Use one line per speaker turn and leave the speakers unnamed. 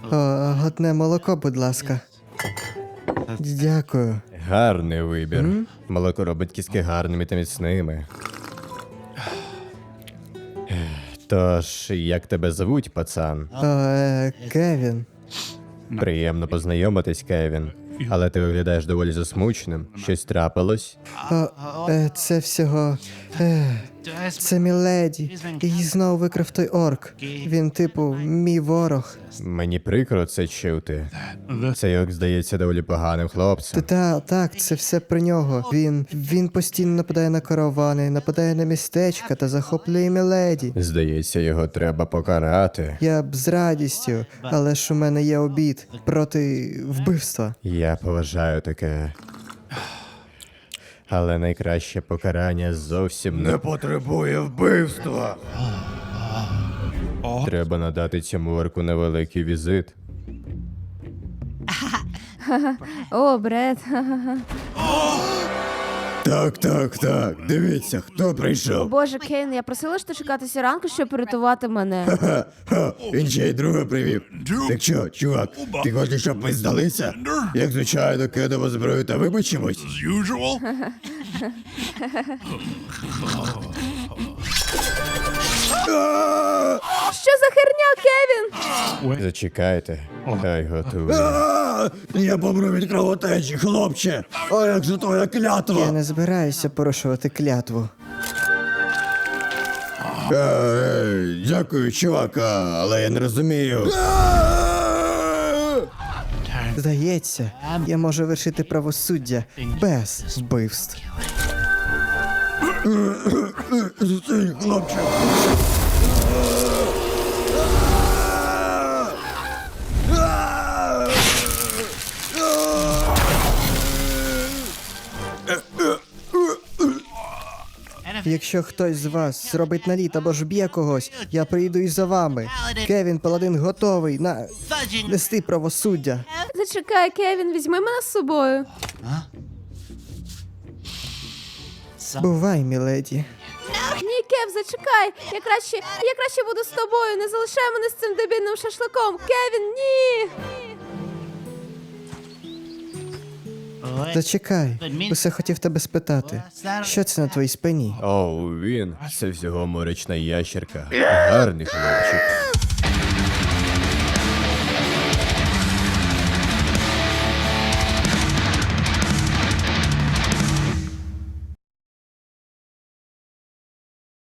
Одне молоко, будь ласка. Дякую.
Гарний вибір. Молоко робить кістки гарними та міцними. Тож, як тебе звуть, пацан?
Кевін.
Приємно познайомитись, Кевін. Але ти виглядаєш доволі засмученим. Щось трапилось?
Це всього... Це міледі. Її знову викрив той орк. Він, типу, мій ворог.
Мені прикро це чути. Цей орк здається доволі поганим хлопцем.
Так, це все про нього. Він постійно нападає на каравани, нападає на містечка та захоплює міледі.
Здається, його треба покарати.
Я б з радістю, але ж у мене є обід проти вбивства.
Я поважаю таке. Але найкраще покарання зовсім не потребує вбивства. Треба надати цьому орку невеликий візит.
О, Бред.
Так. Дивіться, хто прийшов.
Боже, Кейн, я просила ж ти чекатися ранку, щоб порятувати мене.
Він ще й друга привів. Так що, чувак, ти хочеш, щоб ми здалися? Як звичайно, кидаємо зброю та вибачимось.
Usual?
Що за херня, Кевін?
Зачекайте, хай готує.
Я помру від кровотечі, хлопче. А як же твоя
Я
клятва?
не збираюся порушувати клятву.
Дякую, чувак, але я не розумію.
Здається, я можу вершити правосуддя без вбивств.
Зустрінь, хлопче.
Якщо хтось з вас зробить наліт або ж б'є когось, я прийду і за вами. Кевін Паладин готовий нести правосуддя.
Зачекай, Кевін, візьми мене з собою.
Бувай, міледі.
Ні, Кев, зачекай. Я краще буду з тобою. Не залишай мене з цим дебільним шашликом. Кевін, ні.
Зачекай, усе хотів тебе спитати. Що це на твоїй спині?
Оу, він. Це всього морячна ящерка. Гарний хлопчик.